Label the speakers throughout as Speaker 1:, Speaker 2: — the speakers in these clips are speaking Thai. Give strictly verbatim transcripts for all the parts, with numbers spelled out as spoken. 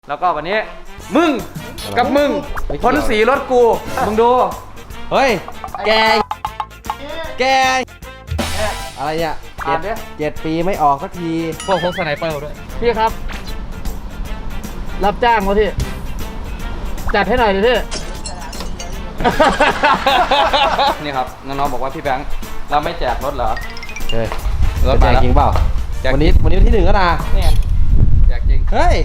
Speaker 1: แล้วก็วันนี้มึงกับมึงพ้นสีรถกูมึงดู
Speaker 2: เฮ้ยแกแกอะไรเนี่ยเจ็ดเจ็ดปีไม่ออกสักที
Speaker 1: พวกพกสไนเปอร์ด้วย
Speaker 3: พี่ครับรับจ้างเขาที่จัดให้หน่อยดิพี่
Speaker 1: นี่ครับน้องๆบอกว่าพี่แบงค์เราไม่แจกรถเหรอ
Speaker 2: เฮ้ยรถแจกจริงเปล่าวันนี้วันนี้ที่หนึ่งก็นะ
Speaker 1: เนี่ยแจกจริง
Speaker 2: เฮ้ย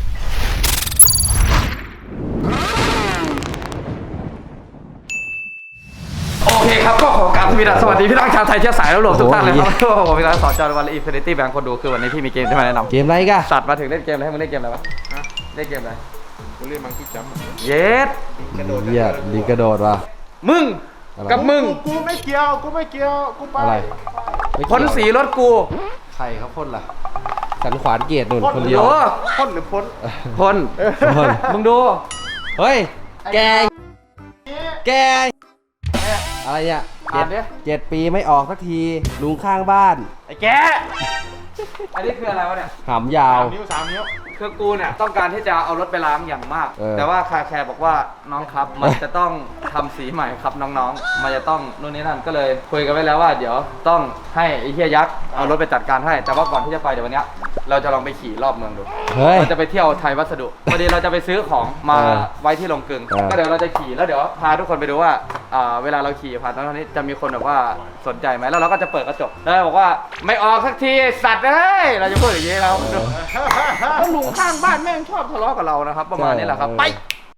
Speaker 1: โอเคครับก็ขอกราบสวัสดีพี่น้องชาวไทยเชื้อสายแล้วรวมทุกท่านเลยครับโอ้โหพี่น้องสอนจอร์วันและอินฟินิตี้แบงค์คนดูคือวันนี้พี่มีเกมที่มาแนะนำ
Speaker 2: เกมอะไรกัน
Speaker 1: สัตว์มาถึงเล่นเกมอะไรให้มึงเล่นเกมอะไรวะเล่นเกมอะไร
Speaker 4: กูเล่นมังคีจัมป์
Speaker 1: เย็ด
Speaker 2: เหี้ยลิงกระโดดว่ะ
Speaker 1: มึงกับมึง
Speaker 4: กูไม่เกี่ยวกูไม่เกี่ยวกูไป
Speaker 2: อะไร
Speaker 1: พ้นสีรถกู
Speaker 2: ใครเขาพ่นล่ะสันขวานเกียรติหนุนคนเดียว
Speaker 4: พ่นหรือพ้น
Speaker 1: พ้นมึงดู
Speaker 2: เฮ้ยแกแกอะไรเนี่ยเจ็ดเจ็ดปีไม่ออกสักทีลุงข้างบ้าน
Speaker 1: ไอ้แกอันนี้คืออะไรวะเนี่ย
Speaker 2: หำยาว
Speaker 4: สามนิ้วสามนิ้ว
Speaker 1: คือกูเนี่ยต้องการที่จะเอารถไปล้างอย่างมากแต่ว่าคาแคร์บอกว่าน้องครับมันจะต้องทำสีใหม่ครับน้องๆมันจะต้องนู่นนี่นั่นก็เลยคุยกันไว้แล้วว่าเดี๋ยวต้องให้ไอ้เฮียยักษ์เอารถไปจัดการให้แต่ว่าก่อนที่จะไปเดี๋ยววันนี้เราจะลองไปขี่รอบเมืองดูเราจะไปเที่ยวไทยวัสดุพอดีเราจะไปซื้อของมาไว้ที่โรงกลึงก็เดี๋ยวเราจะขี่แล้วเดี๋ยวพาทุกคนไปดูว่าเวลาเราขี่ผ่านตรงนี้จะมีคนแบบว่าสนใจไหมแล้วเราก็จะเปิดกระจกแล้วบอกว่าไม่ออกสักทีสัตว์เอ้ยเราจะพูดอย่างนี้เราแล้วลุงข้างบ้านแม่งชอบทะเลาะกับเรานะครับประมาณนี้แหละครับไป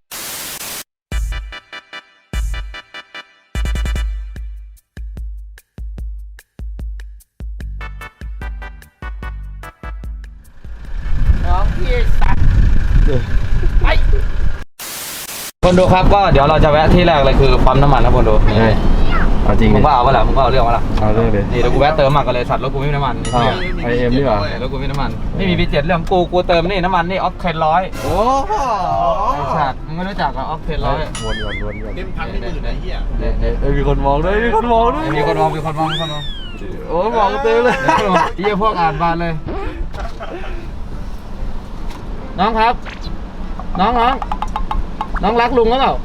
Speaker 1: น้องพี่สัตว์ไปคนดูครับก็เดี๋ยวเราจะแวะที่แรกเลยคือปั๊มน้ำมันนะคนดู
Speaker 2: เอาจริง
Speaker 1: มึงว่าเอาเปล่ามึงว่าเอาเรื่องวะล่ะ
Speaker 2: เอาเรื่องเลย
Speaker 1: นี่เดี๋ยวกูแวะเติมมันกันเลยสัตว์รถกูไม่มีน้ำมัน
Speaker 2: ไอเอ็มนี่เหรอ
Speaker 1: รถกูไม่มีน้ำมันไม่มีบีเจ็ดเรื่องกูกูเติมนี่น้ำมันนี่ออกเทนร้อย
Speaker 2: โอ้
Speaker 1: ไอสัตว์มึงไม่รู้จักกับออกเทนร้อย
Speaker 2: วนวนวนวน
Speaker 4: เต็มพันนี่หมื่นไอ้เหี้ย
Speaker 2: เนี่ยมีคนมองด้วยมีคนมองด้วย
Speaker 1: มีคนมองมีคนมองมีคนมอง
Speaker 2: โอ้มองเต็มเลย
Speaker 1: เยี่ยพวกอ่านบานเลยน้องครับน้องน้องน้องรักลุงหรือเปล่า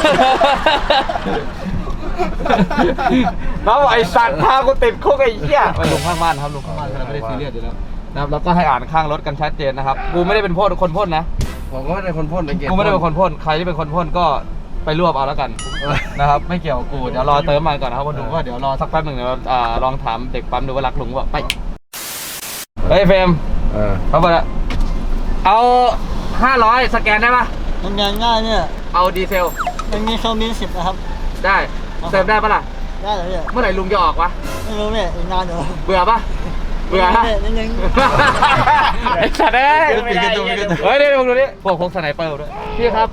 Speaker 1: น้องไอสัตว์พากูติดคุกไอ้เหี้ยไปลุงข้างบ้านครับลุงข้างบ้านเราไม่ได้ซีเรียสอยู่แล้วนะครับแล้วก็ให้อ่านข้างรถกันชัดเจนนะครับกูไม่ได้เป็นพ่นคนพ่นนะ
Speaker 2: ผมก็ไม่ได้คนพ่นเป็นเก
Speaker 1: กูไม่ได้เป็นคนพ่นใครที่เป็นคนพ่นก็ไปรวบเอาแล้วกันนะครับไม่เกี่ยวกับกูเดี๋ยวรอเติมมาก่อนนะครับคนดูว่าเดี๋ยวรอสักแป๊บหนึ่งเดี๋ยวลองถามเด็กปั๊มดูว่ารักลุงว่าไปเฮ้ยเฟรม
Speaker 2: เออ
Speaker 1: เขาบอกแล้วเอาห้าร้อยสแกนได้ปะ
Speaker 3: มันงานง่ายเนี่ย
Speaker 1: เอาดีเซล
Speaker 3: มันมีเครื่องบินสิบนะครับ
Speaker 1: ได้เติมได้ปะล่ะ
Speaker 3: ได้เลยเนี่ย
Speaker 1: เมื่อไหร่ลุงจะออกวะ
Speaker 3: ไม่รู้เนี่ยอีกนานอยู่
Speaker 1: เบื่อปะเบื่อฮะ
Speaker 3: นิดนึง
Speaker 1: ไอ้สัตว์เอ้ยเฮ้ยเดี๋ยวมึงดูนี่พวกพกสไนเปอร์ด้วย
Speaker 3: พี่ครับ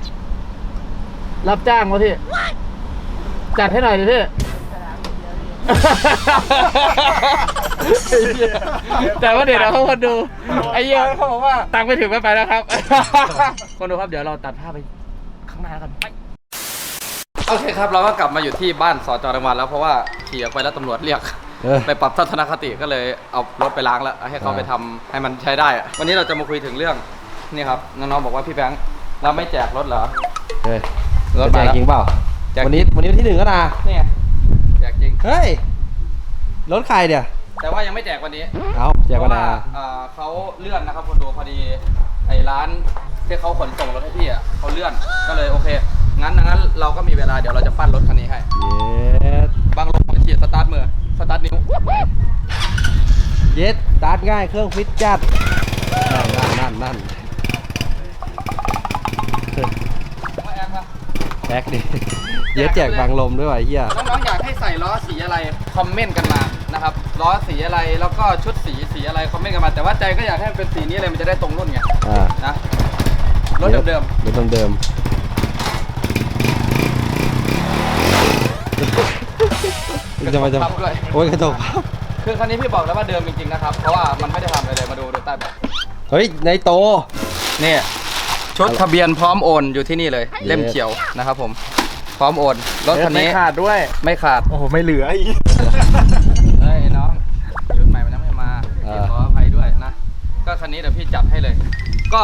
Speaker 3: รับจ้างเขาที่จัดให้หน่อยดิพี่
Speaker 1: แต่ว่าเดี๋ยวเขาคนดูไอ้เหี้ยเขาบอกว่าตังค์ไม่ถึงไม่ไปแล้วครับคนดูครับเดี๋ยวเราตัดภาพไปข้างหน้ากันไปโอเคครับเราก็กลับมาอยู่ที่บ้านสจ.รังวันแล้วเพราะว่าขี่ออกไปแล้วตำรวจเรียกไปปรับทัศนคติก็เลยเอารถไปล้างแล้วให้เขาไปทำให้มันใช้ได้วันนี้เราจะมาคุยถึงเรื่องนี่ครับน้องๆบอกว่าพี่แบงค์เราไม่แจกรถเหรอ
Speaker 2: เฮ้ยรถแจกจริงเปล่าวันนี้วันนี้ที่หนึ่งก็นะ
Speaker 1: เนี่ยแจกจริง
Speaker 2: เฮ้ยรถใครเดี๋ย
Speaker 1: แต่ว่ายังไม่แจกวันนี้
Speaker 2: เอาแจกวันไหน
Speaker 1: เขาเลื่อนนะครับคนดูพอดีไอ้ร้านที่เขาขนส่งรถให้พี่อ่ะเขาเลื่อนก็เลยโอเคงั้นงั้นเราก็มีเวลาเดี๋ยวเราจะปั้นรถคันนี้ให้
Speaker 2: เย็ด
Speaker 1: บางลงมาฉีดสตาร์ทมือสตาร์ทนิ้ว
Speaker 2: เย็ดสตาร์ทง่ายเครื่องฟิตจัดนั่นนั่นนั่นแท็กดิเย็ดแจกบางลมด้วยวะเฮีย
Speaker 1: น้องๆอยากให้ใส่ล้อสีอะไรคอมเมนต์กันมานะครับล้อสีอะไรแล้วก็ชุดสีสีอะไรคอมเมนต์กันมาแต่ว่าใจก็อยากให้เป็นสีนี้เลยมันจะได้ตรงรุ่นไงนะรถเดิม
Speaker 2: ๆรถเดิมๆจะมาจะโอ้ยกระจก
Speaker 1: คือคันนี้พี่บอกแล้วว่าเดิมจริงๆนะครับเพราะว่ามันไม่ได้ทำอะไรเลยมาดูดูใต้เบาะ
Speaker 2: เฮ้ยในโต
Speaker 1: นี่ชุดทะเบียนพร้อมโอนอยู่ที่นี่เลยเล่มเขียวนะครับผมพร้อมโอนรถคันนี้
Speaker 4: ไม่ขาดด้วย
Speaker 1: ไม่ขาด
Speaker 4: โอ้โหไม่เหลืออีก
Speaker 1: เฮ้ยน้องชุดใหม่มันยังไม่มาขออภัยด้วยนะก็คันนี้เดี๋ยวพี่จัดให้เลยก็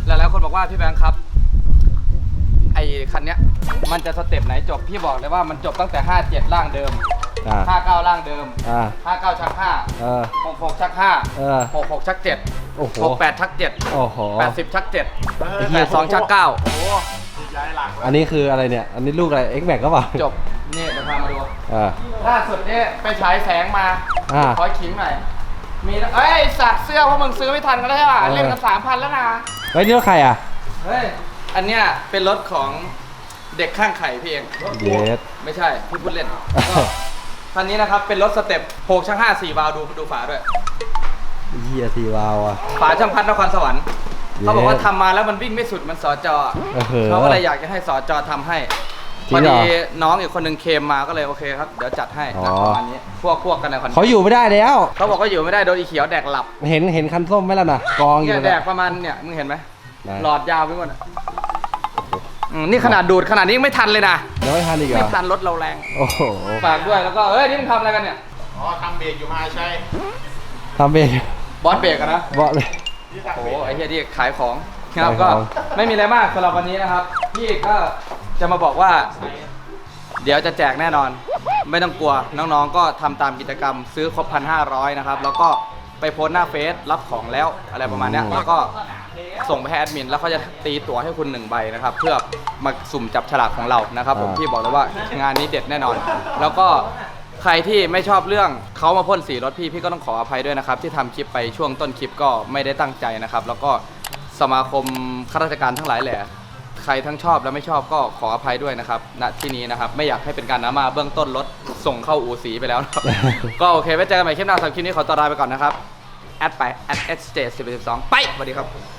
Speaker 1: หลายๆคนบอกว่าพี่แบงค์ครับไอ้คันเนี้ยมันจะสเต็ปไหนจบพี่บอกเลยว่ามันจบตั้งแต่ห้าเจ็ดร่างเดิม
Speaker 2: อ่า
Speaker 1: ห้าเก้าร่างเดิม
Speaker 2: อ่า
Speaker 1: ห้าเก้าชักห้า
Speaker 2: เออ
Speaker 1: หกหกชักห้า
Speaker 2: เออ
Speaker 1: หกหกชักเจ็ด
Speaker 2: โอ้โห
Speaker 1: หกแปดชักเจ็ด
Speaker 2: โอ้โห
Speaker 1: แปดสิบชักเจ็ด
Speaker 4: เออ
Speaker 1: แปดสองชักเก้า
Speaker 4: โอ้โหย้ายหลัง
Speaker 2: อันนี้คืออะไรเนี่ย อันนี้ลูกอะไร X Max ก็เปล่า
Speaker 1: จบนี่เดี๋ยวพามาดู
Speaker 2: อ่า
Speaker 1: ล่าสุดเนี่ยไปฉายแสงมา
Speaker 2: อ่า
Speaker 1: ขอขิงหน่อยมีนะเอ้ยไอ้สัตว์เสื้อพวกมึงซื้อไม่ทันกันแล้วใช่ป่ะ
Speaker 2: เออ
Speaker 1: เล่นกันสามพันแล้วนะ
Speaker 2: เฮ้ยนี่รถใครอ่ะ
Speaker 1: เฮ้ยอันเนี้ยเป็นรถของเด็กข้างไข่พี่เอง
Speaker 2: เยส
Speaker 1: ไม่ใช่พี่พูดเล่นก็คันนี้นะครับเป็นรถสเต็ปหกช่างห้าสี่วาล์วดูดูฝาด้วย
Speaker 2: เฮียสีวาวอ่ะ
Speaker 1: ฝาช่างพัดนครสวรรค์
Speaker 2: เย้
Speaker 1: เขาบอกว่าทำมาแล้วมันวิ่งไม่สุดมันสอจอ
Speaker 2: เออ
Speaker 1: เขาก็เลยอยากจะให้สอจอทำให้
Speaker 2: จริ
Speaker 1: พอง
Speaker 2: เหรอ
Speaker 1: ดีน้องอีกคนหนึ่งเคมมาก็เลยโอเคครับเดี๋ยวจัดให้
Speaker 2: อ๋อ
Speaker 1: นะประมาณนี้พวกพวกกันในคอน
Speaker 2: เขาอยู่ไม่ได้แล้ว
Speaker 1: เขาบอกว่าอยู่ไม่ได้โดนอีเขียวแดกหลับ
Speaker 2: เห็นเห็นคันส้มไหมล่ะนะกองอ
Speaker 1: เนี่
Speaker 2: ยู่
Speaker 1: ยแด
Speaker 2: นะ
Speaker 1: กประมาณเนี่ยมึงเห็นไหม
Speaker 2: ไหน
Speaker 1: หลอดยาวไปหมดอะอืมนี่ขนาดดูดขนาดนี้ยังไม่ทันเลยนะ
Speaker 2: ยังไม่ทันอีกเหร
Speaker 1: ไม่
Speaker 2: อ
Speaker 1: ทันรถเราแรง
Speaker 2: โอ้โห
Speaker 1: ฝากด้วยแล้วก็เอ้ยนี่มึงทำอะไรกันเนี่ย
Speaker 4: อ๋อทำเบรกอยู่มาใช่
Speaker 2: ทำเอง
Speaker 1: บอสเบรกอะนะ
Speaker 2: บอกเลย
Speaker 4: ที่
Speaker 1: โอ้
Speaker 4: ทำ
Speaker 1: โห
Speaker 4: เบรก
Speaker 1: ไอ้เฮียที่ขายของครับ
Speaker 2: ขายของ
Speaker 1: ก็ไม่มีอะไรมากสำหรับวันนี้นะครับ พี่ก็จะมาบอกว่า เดี๋ยวจะแจกแน่นอน ไม่ต้องกลัวน้องๆก็ทำตามกิจกรรมซื้อครบพันห้าร้อยนะครับ แล้วก็ไปโพสต์หน้าเฟซรับของแล้วอะไรประมาณเนี้ยแล้วก็ส่งไปให้แอดมินแล้วเขาจะตีตั๋วให้คุณหนึ่งใบนะครับ เพื่อมาสุ่มจับฉลากของเรานะครับ ผมพี่บอกเลยว่างานนี้เด็ดแน่นอน แล้วก็ใครที่ไม่ชอบเรื่องเขามาพ่นสีรถพี่พี่ก็ต้องขออภัยด้วยนะครับ ที่ทำคลิปไปช่วงต้นคลิปก็ไม่ได้ตั้งใจนะครับ แล้วก็สมาคมข้าราชการทั้งหลายแหละใครทั้งชอบและไม่ชอบก็ขออภัยด้วยนะครับณที่นี้นะครับไม่อยากให้เป็นการน้ำมาเบื้องต้นรถส่งเข้าอู่สีไปแล้วนะครับ ก็โอเคไว้เจอกันใหม่คลิปหน้าสำหรับคลิปนี้ขอตัวลาไปก่อนนะครับแอดไปแอดเอสเจสิบเอ็ดสิบสองไปสวัสดีครับ